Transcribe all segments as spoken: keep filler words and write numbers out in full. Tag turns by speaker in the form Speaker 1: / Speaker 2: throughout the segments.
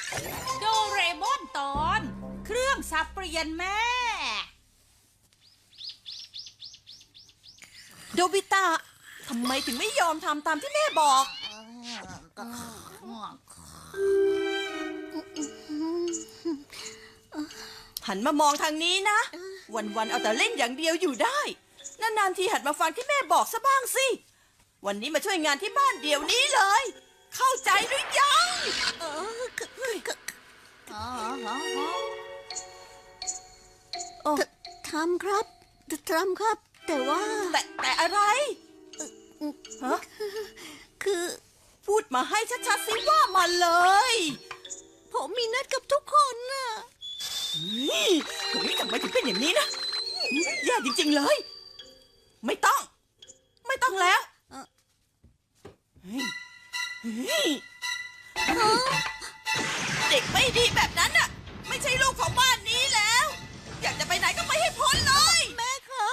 Speaker 1: โดเรมอนตอนเครื่องสับเปลี่ยนแม่
Speaker 2: โดบิตะทำไมถึงไม่ยอมทำตามที่แม่บอก หันมามองทางนี้นะ วันๆเอาแต่เล่นอย่างเดียวอยู่ได้นานๆทีหัดมาฟังที่แม่บอกซะบ้างสิ วันนี้มาช่วยงานที่บ้านเดี๋ยวนี้เลย เข้าใจหรือยังเออโอ้
Speaker 3: ทำครับทำครับ แต่ว่า
Speaker 2: แต่แต่อะไรฮะ
Speaker 3: คือ
Speaker 2: พูดมาให้ชัดๆสิว่ามาเลย
Speaker 3: ผมมีนัดกับทุกคนน่ะ
Speaker 2: นี่โอ้ยทำไมถึงเป็นอย่างนี้นะแย่จริงๆเลย ไม่ต้อง ไม่ต้องแล้วเฮ้ยเฮ้ยเด็กไม่ดีแบบนั้นน่ะ ไม่ใช่ลูกของบ้านนี้แล้ว อยากจะไปไหนก็ไปให้พ้นเลย
Speaker 3: แม่ครับ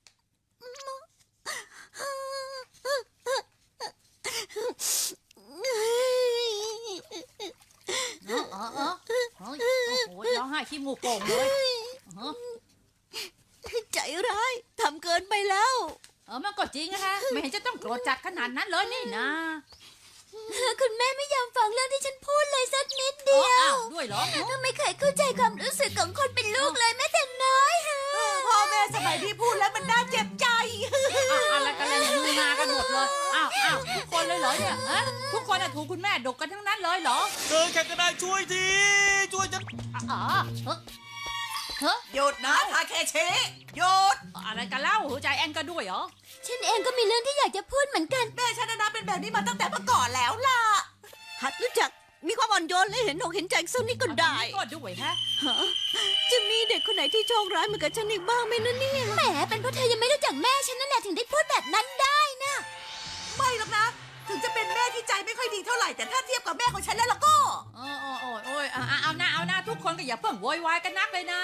Speaker 1: เออเออเออเฮ้ยโอ้โหร้องไห้ขี้มูกโป่งเลยเออ
Speaker 3: ใจร้ายทำเกินไปแล้ว
Speaker 1: เออมันก็จริงนะคะไม่เห็นจะต้องโกรธจัดขนาดนั้นเลยนี่นะ
Speaker 3: คุณแม่ไม่ยอมฟังเรื่องที่ฉันพูดเลยสักนิด
Speaker 1: เอ
Speaker 3: เดี
Speaker 1: อ
Speaker 3: ยว
Speaker 1: อ้าวด้วยเหรอ
Speaker 3: ไม่เคยเข้าใจความรู้สึกของคนเป็นลูกเลยแม้แต่น้อยค่ะ
Speaker 2: พ่อแม่สมัยที่พูดแล้วมันน่าเจ็บใจ
Speaker 1: อ้าวอะไรกันเลยมือมากันหมดเลยอ้าวอ้าวทุกคนเลยเหรอเนี่ยฮะทุกคนอะถูกคุณแม่ดกกันทั้งนั้นเลยเหรอ
Speaker 4: เดินแข่งก็ได้ช่วยทีช่วยจะ
Speaker 1: อ๋อเฮ้ยเฮ้ย
Speaker 2: หยุดนะทาเคชิหยุด
Speaker 1: อะไรกันเล่าหัวใจแอนก็ด้วยเหรอ
Speaker 3: ฉันเองก็มีเรื่องที่อยากจะพูดเหมือนกัน
Speaker 2: แม่ฉันนะเป็นแบบนี้มาตั้งแต่เมื่อก่อนแล้วล่ะ
Speaker 3: หัดรู้จักมีความอ่อนโยนและเห็นอกเห็นใจสักนิดก็ได้
Speaker 1: ก็ด้วยฮะ
Speaker 3: จะมีเด็กคนไหนที่โชคร้ายเหมือนกับฉันอีกบ้างไหมนะเนี่ยแหมเป็นเพราะเธอยังไม่รู้จักแม่ฉันนั่นแหละถึงได้พูดแบบนั้นได้นะ
Speaker 2: ไม่หรอกนะ ถึงจะเป็นแม่ที่ใจไม่ค่อยดีเท่าไหร่ แต่ถ้าเทียบกับแม่ของฉันแล้วล่ะก็
Speaker 1: โอ้โอ้โอ้โอ้ยเอาเอาเอาหน้าเอาหน้าทุกคนก็อย่าเพิ่งโวยวายกันนักเลยนะ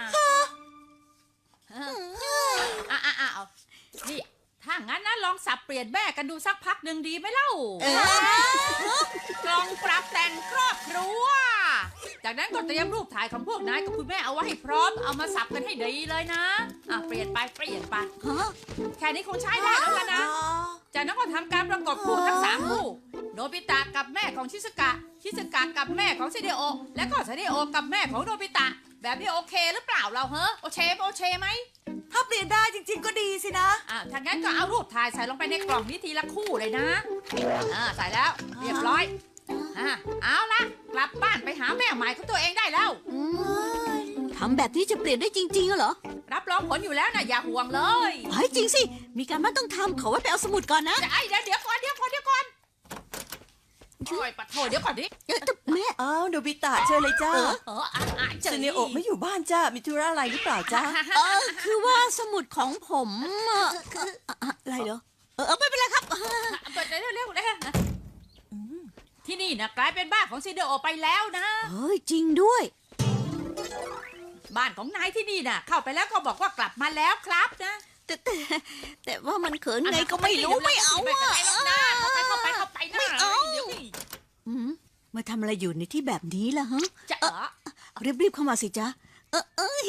Speaker 1: เอออ่ะอ่ะอ่ะเอานี่ถ้างั้นนะลองสับเปลี่ยนแม่กันดูสักพักหนึ่งดีไหมเล่า
Speaker 2: เออ
Speaker 1: กล่องปรับแต่งครอบครัว จากนั้นก็เตรียมรูปถ่ายของพวกนายกับคุณแม่เอาไว้ให้พร้อมเอามาสับกันให้ดีเลยนะอ่ะเปลี่ยนไปเปลี่ยนไป
Speaker 3: ฮะ
Speaker 1: แค่นี้คงใช้ได้แล้วล่ะนะ จากนั้นก็ทำการประกอบคู่ทั้งสามคู่โนบิตะกับแม่ของชิสกะ ชิสกะกับแม่ของซิเดโอ และก็ซิเดโอกับแม่ของโนบิตะ แบบนี้โอเคหรือเปล่าเราเฮ้อโอเคโอเคไหม
Speaker 2: ถ้าเปลี่ยนได้จริง ๆ ก็ดีสินะ
Speaker 1: อ่าถ้างั้นก็เอารูปถ่ายใส่ลงไปในกล่องนี้ทีละคู่เลยนะ อ่าใส่แล้วเรียบร้อย อ่าเอาละกลับบ้านไปหาแม่ใหม่ของตัวเองได้แล้ว
Speaker 3: อืมทำแบบนี้จะเปลี่ยนได้จริงๆเหรอ
Speaker 1: รับรองผลอยู่แล้วนะอย่าห่วงเลย
Speaker 3: เฮ้ยจริงสิ มีการบ้านต้องทำขอไว้ไปเอาสมุดก่อนนะ
Speaker 1: จะไอ้เดี๋ยวเดี๋ยวก่อนเดี๋ยวก่อนเดี๋ยวก่อนโอ้ยปะโถเดี๋ยวก่อนดิ
Speaker 3: เอ้ยแต่แม่
Speaker 2: อ้าวโดบิตะเชิญเลยจ้า
Speaker 1: เอออ่ะอ่ะเจอ
Speaker 2: ซูเนโอะไม่อยู่บ้านจ้า มีธุระอะไรหรือเปล่าจ้า
Speaker 3: เออคือว่าสมุดของผมอะคืออะอะไรเหรอเออเออไม่เป็นไรครับ
Speaker 1: เปิดเร็วเร็วเร็วที่นี่นะกลายเป็นบ้านของซิเดโอไปแล้วนะ
Speaker 3: เฮ้ยจริงด้วย
Speaker 1: บ้านของนายที่นี่น่ะ เข้าไปแล้วก็บอกว่ากลับมาแล้วครับนะ
Speaker 3: แต่แต่แต่ว่ามันเขินไงก็ไม่รู้ไม่เอา
Speaker 1: ไม่
Speaker 3: อ่ะ
Speaker 1: เป็นไรหรอกนะเข้าไปเข้าไปเข้าไปนะ
Speaker 3: ไม่เอา
Speaker 1: เดี๋ยวนี่
Speaker 3: อืมมาทำอะไรอยู่ในที่แบบนี้ล่ะฮะ
Speaker 1: จะเออ
Speaker 3: รีบรีบๆเข้ามาสิจ๊ะเออเอย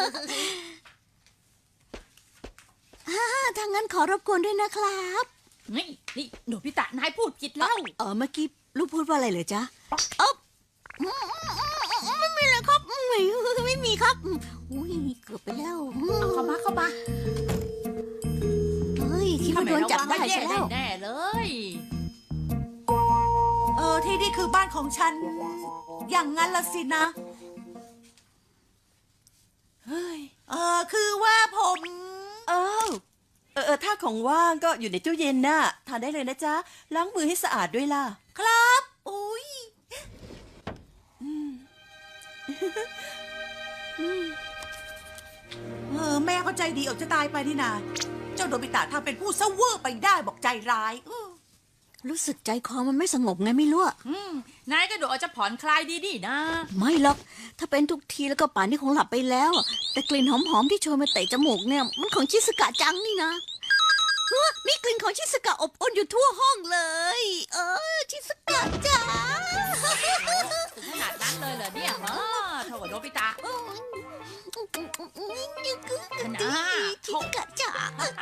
Speaker 3: ฮ่าทางนั้นขอรบกวนด้วยนะครับ
Speaker 1: นี่นี่หนูพิตะนายพูดผิดแล้ว
Speaker 3: เออเมื่อกี้ลูกพูดว่าอะไรเหรอจ๊ะเออไม่มีเลยครับไม่ไม่มีครับอุ้ยเกือบไปแล้ว
Speaker 1: เอาเข้ามาเข้ามา
Speaker 3: เฮ้ยคิดว่าโดนจับได้ใช่แล้ว
Speaker 1: แน่ๆเลย
Speaker 2: เออที่นี่คือบ้านของฉัน อย่างงั้นละสินะ เฮ้ย เออคือว่าผมเออเออเออถ้าของว่างก็อยู่ในตู้เย็นน่ะ ทานได้เลยนะจ๊ะ ล้างมือให้สะอาดด้วยล่ะ ครับ อุ้ยเออแม่เขาใจดีออกจะตายไปนี่นา เจ้าโดบิตะทำเป็นผู้เซ่อเวอร์ไปได้บอกใจร้ายอื้อ
Speaker 3: รู้สึกใจคอมันไม่สงบไงไม่รู้อะ
Speaker 1: อืมนายก็ดูอาจจะผ่อนคลายดีๆนะ
Speaker 3: ไม่หรอก ถ้าเป็นทุกทีแล้วก็ป่านนี้คงหลับไปแล้วอะแต่กลิ่นหอมๆที่โชยมาเตะจมูกเนี่ยมันของชิสกะจังนี่นะเฮ้อมีกลิ่นของชิสกะอบอวลอยู่ทั่วห้องเลย เออชิสกะจ๋า
Speaker 1: ถึงขนาดนั้นนะ
Speaker 3: ชิสกะจ๋า
Speaker 1: เออ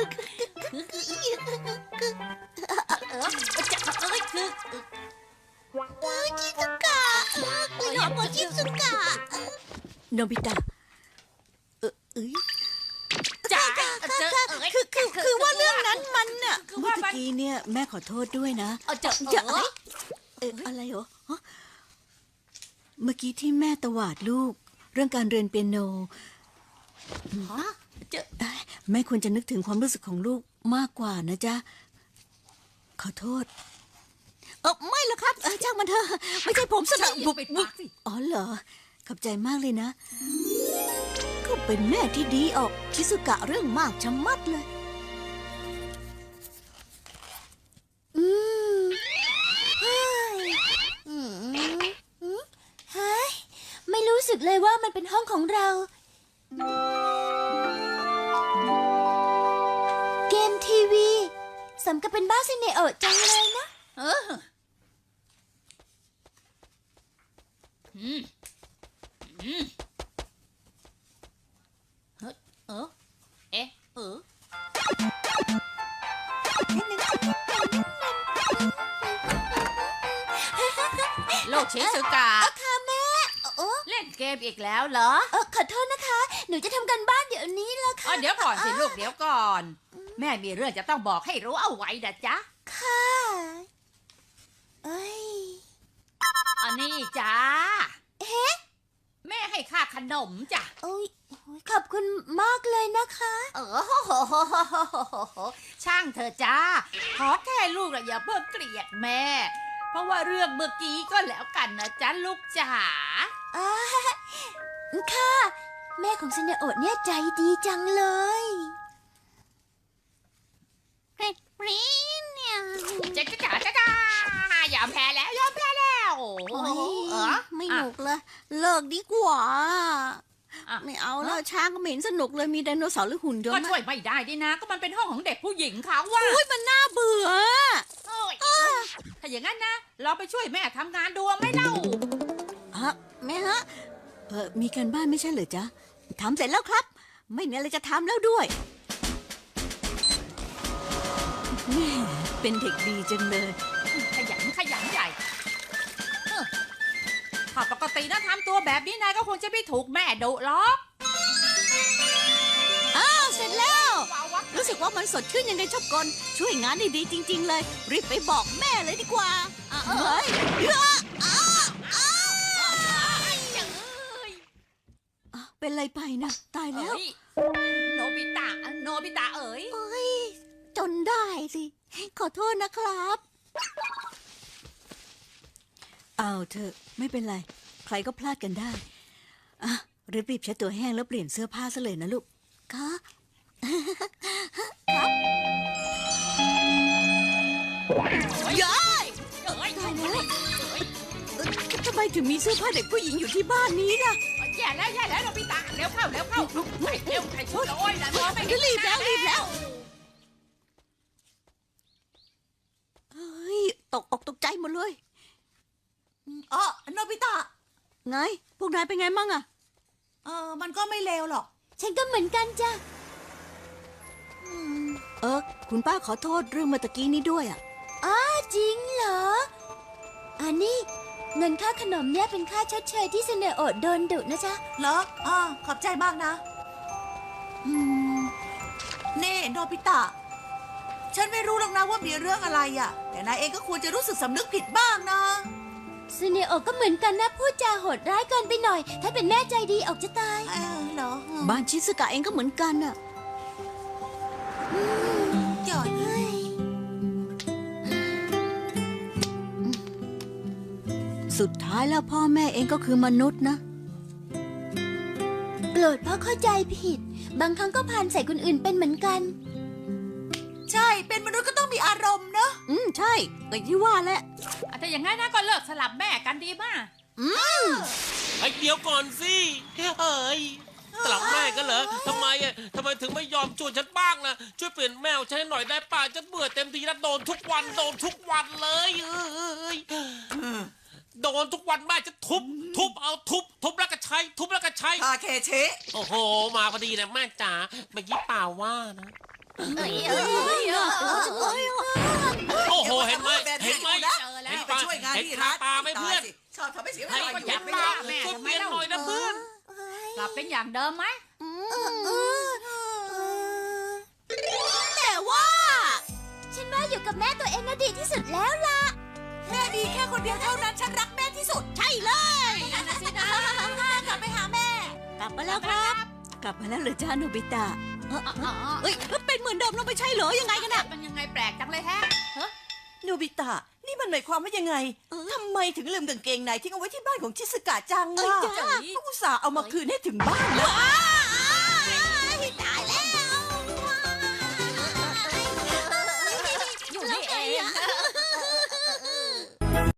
Speaker 1: จะเอ้ยคือ
Speaker 3: เออชิสกะกลิ่นหอมของชิสกะโนบิตะเออเอ้ย
Speaker 1: จ๋า
Speaker 3: ค่ะ
Speaker 1: เจอ
Speaker 3: ค่ะ
Speaker 1: เอ้ย
Speaker 3: คือคือคือว่าเรื่องนั้นมันน่ะ
Speaker 1: คือ
Speaker 3: เมื่อ
Speaker 1: ว่ามัน
Speaker 3: กี้เนี่ยแม่ขอโทษด้วยนะ
Speaker 1: เอาเจอ
Speaker 3: จะ
Speaker 1: เออ
Speaker 3: เอออะไรเหรอฮะเมื่อกี้ที่แม่ตวาดลูก เรื่องการเรียนเปียโน
Speaker 1: ฮะเจอ
Speaker 3: เอ้ยแม่ควรจะนึกถึงความรู้สึกของลูกมากกว่านะจ๊ะ ขอโทษ เออไม่ละครับเออช่างมันเถอะไม่ใช่ผมสนับ
Speaker 1: บุบปิดปากสิ
Speaker 3: อ๋อเหรอ ขอบใจมากเลยนะ ก็เป็นแม่ที่ดีออก ชิสุกะเรื่องมากชะมัดเลย
Speaker 5: อืมเฮ้ยอืมอืมเฮ้ยไม่รู้สึกเลยว่ามันเป็นห้องของเรา เกมทีวีสมกับเป็นบ้านซินเนโอะจังเลยนะ
Speaker 1: เอออืมอืมเฮ้ยเออเอ๊ะเออโลกชิสุกะ
Speaker 5: ค่ะแม่โอ้
Speaker 1: เล่นเกมอีกแล้วเหรอ
Speaker 5: เออขอโทษนะคะ หนูจะทำกันบ้านเดี๋ยวนี้แล้ว
Speaker 1: อ๋
Speaker 5: ค่ะ
Speaker 1: อเดี๋ยวก่อนสิลูกเดี๋ยวก่อน แม่มีเรื่องจะต้องบอกให้รู้เอาไว้นะจ๊ะ
Speaker 5: ค่ะเอ้ย
Speaker 1: อันนี้จ้าเอ๊ะแม่ให้ค่าขนมจ้ะ
Speaker 5: โอ้ยโอ้ยขอบคุณมากเลยนะคะ
Speaker 1: เออโหโหโหโหโหโหโหช่างเธอะจ้า ขอแค่ลูกอะอย่าเพิ่งเกลียดแม่ เพราะว่าเรื่องเมื่อกี้ก็แล้วกันนะจ๊ะลูกจ๋า
Speaker 5: อ่าค่ะ แม่ของซินเนโอะเนี่ยใจดีจังเลย
Speaker 3: เร็ดรีเนี่ย
Speaker 1: จ๊ะจ๊ะจ๋าจ๊ะจ๋ายอมแพ้แล้วยอมแพ้แล้ว
Speaker 3: โอ้ย
Speaker 1: เออ
Speaker 3: ไม่หนุกเลย เลิกดีกว่า
Speaker 1: อ่ะ
Speaker 3: ไม่เอาแล้วช้างก็ไม่เห็นสนุกเลยมีไดโนเสาร์หรือหุ่นยน
Speaker 1: ก็
Speaker 3: ต์
Speaker 1: ช่วยไม่ได้ดินะ ก็มันเป็นห้องของเด็กผู้หญิงเขาว่า
Speaker 3: อุ้ยมันน่าเบื่อ
Speaker 1: โอ้ยถ้าอย่างนั้นนะ เราไปช่วยแม่ทำงานดูไหม่เล่า
Speaker 3: ฮะแม่ฮะเออมีการบ้านไม่ใช่เหรอจ๊ะทำเสร็จแล้วครับ ไม่มีอะไรจะทำแล้วด้วยแม่เป็นเด็กดีจังเลย
Speaker 1: ขยันขยันใหญ่เออถ้าปกตินะทำตัวแบบนี้นายก็คงจะไม่ถูกแม่ดุหรอก
Speaker 3: อ้าวเสร็จแล้ว
Speaker 1: ว้าววะ
Speaker 3: รู้สึกว่ามันสดชื่นยังไงชอบกลช่วยงานได้ดีจริง ๆ เลย รีบไปบอกแม่เลยดีกว่าอ่ะเฮ้ยเอ้ออ้าอ้าอ่ะเป็นไรไปนะตายแล้ว
Speaker 1: เอ้ยโนบิตะโนบิตะเอ๋ย
Speaker 3: โอ้ยจนได้สิ ขอโทษนะครับ เอาเถอะไม่เป็นไร ใครก็พลาดกันได้ อ่ะรีบๆเช็ดตัวแห้งแล้วเปลี่ยนเสื้อผ้าซะเลยนะลูกคะย้าย
Speaker 1: เอ้ย
Speaker 3: ตายแล้วเอ่อทำไมถึงมีเสื้อผ้าเด็กผู้หญิงอยู่ที่บ้านนี้ล่ะ
Speaker 1: แย่แล้วแย่แล้วโนบิตะเร็วเข้าเร็วเข้าใส่เร็วใส่ชุดโอ้ยนะมองไม่เห็น
Speaker 3: รีบแล้ว
Speaker 1: หน้า
Speaker 3: รีบแล้ว เฮ้ย ตกอกตกใจหมดเลย
Speaker 2: อ๋อโนบิตะ
Speaker 3: ไง พวกนายเป็นไงมั่งอะ
Speaker 2: เออมันก็ไม่เลวหรอก
Speaker 5: ฉันก็เหมือนกันจ้ะ
Speaker 3: เออ คุณป้าขอโทษเรื่องเมื่อตะกี้นี้ด้วยอะ
Speaker 5: อ้าจริงเหรอ อันนี้เงินค่าขนมเนี่ยเป็นค่าชดเชยที่ซินเนโอะโดนดุนะจ๊ะ
Speaker 2: เหรออ่าขอบใจมากนะ
Speaker 3: อืม
Speaker 2: นี่โนบิตะ ฉันไม่รู้หรอกนะว่ามีเรื่องอะไรอ่ะ แต่นายเองก็ควรจะรู้สึกสำนึกผิดบ้างนะ
Speaker 5: ซินเนโอะก็เหมือนกันนะพูดจาโหดร้ายเกินไปหน่อย ถ้าเป็นแม่ใจดีออกจะตาย
Speaker 2: เออเหรอ
Speaker 3: บ้านชิสกะเองก็เหมือนกันอะ
Speaker 2: จ่อย
Speaker 3: สุดท้ายแล้วพ่อแม่เองก็คือมนุษย์นะ
Speaker 5: โกรธเพราะเข้าใจผิด บางครั้งก็พานใส่คนอื่นเป็นเหมือนกัน
Speaker 2: ใช่ เป็นมนุษย์ก็ต้องมีอารมณ์เนอะ
Speaker 3: อืม ใช่ก็ที่ว่าแหละ
Speaker 1: อ่ะถ้าอย่างนั้นนะก็เลิกสลับแม่กันดีมาก
Speaker 4: ไอ้เดี๋ยวก่อนสิเฮ้ยกลับแม่กันเหรอทำไมอ่ะทำไมถึงไม่ยอมช่วยฉันบ้างนะช่วยเปลี่ยนแมวฉันให้หน่อยได้ป่ะฉันเบื่อเต็มทีแล้วโดนทุกวันโดนทุกวันเลยเอ้ยโโดนทุกวันแม่จะทุบ ทุบเอาทุบ ทุบแล้วก็ใช้ ทุบแล้วก็ใช้
Speaker 2: ทาเคเชะ
Speaker 4: โอ้โห มาพอดีนะแม่จ๋าเมื่อกี้เปล่าว่านะ
Speaker 1: เอ้ยเอ้ยเอ้ยเอ้ย
Speaker 4: โอ้โห เห็นไหม
Speaker 2: แบบ
Speaker 4: เห็นไหม
Speaker 2: นะ
Speaker 1: เจอแล้ว
Speaker 4: เห็น
Speaker 2: ไป
Speaker 4: ปะ
Speaker 2: ช่วยงาน
Speaker 4: เห็น
Speaker 2: ที่
Speaker 4: คา
Speaker 2: ร้าน
Speaker 4: ตาไหมเพื่อน
Speaker 2: ตายสิชอบทำให้เสียเว
Speaker 4: ให้
Speaker 2: ลา
Speaker 4: ก็
Speaker 2: อ
Speaker 4: อยาก
Speaker 2: ไม่
Speaker 4: มา
Speaker 2: ได้
Speaker 1: แม่
Speaker 4: ช่วย
Speaker 1: ทำ
Speaker 4: เป
Speaker 1: ไม
Speaker 4: ลี่ยน
Speaker 1: เล่า
Speaker 4: หน่อยนะเพื่อน
Speaker 1: กลับเป็นอย่างเดิมไหม
Speaker 3: แต่ว่า
Speaker 5: ฉันว่าอยู่กับแม่ตัวเองน่ะดีที่สุดแล้วล่ะ
Speaker 2: แม่ดีแค่คนเดียวเท่านั้นฉันรักแม่ที่สุด
Speaker 3: ใช่เลย
Speaker 1: นั่นน่ะสินะ
Speaker 2: กลับไปหาแม่
Speaker 3: กลับมาแล้วครับ กลับมาแล้วเหรอจ้าโนบิตะเอ้อ
Speaker 1: อ๋ออ๋อ
Speaker 3: เอ้ยเป็นเหมือนเดิมแล้วไม่ใช่เหรอยังไงกันน่ะ
Speaker 1: มันยังไงแปลกจังเลยแฮะเฮ้ย
Speaker 2: โนบิตะ นี่มันหมายความว่ายังไง
Speaker 3: เออ
Speaker 2: ทำไมถึงลืมกางเกงในทิ้งเอาไว้ที่บ้านของชิสกะจัง
Speaker 3: เอ้ย
Speaker 2: ล่ะ
Speaker 3: จ้า
Speaker 2: ก็อุตส่าห์เอามาคืนให้ถึงบ้านนะ
Speaker 3: ว้า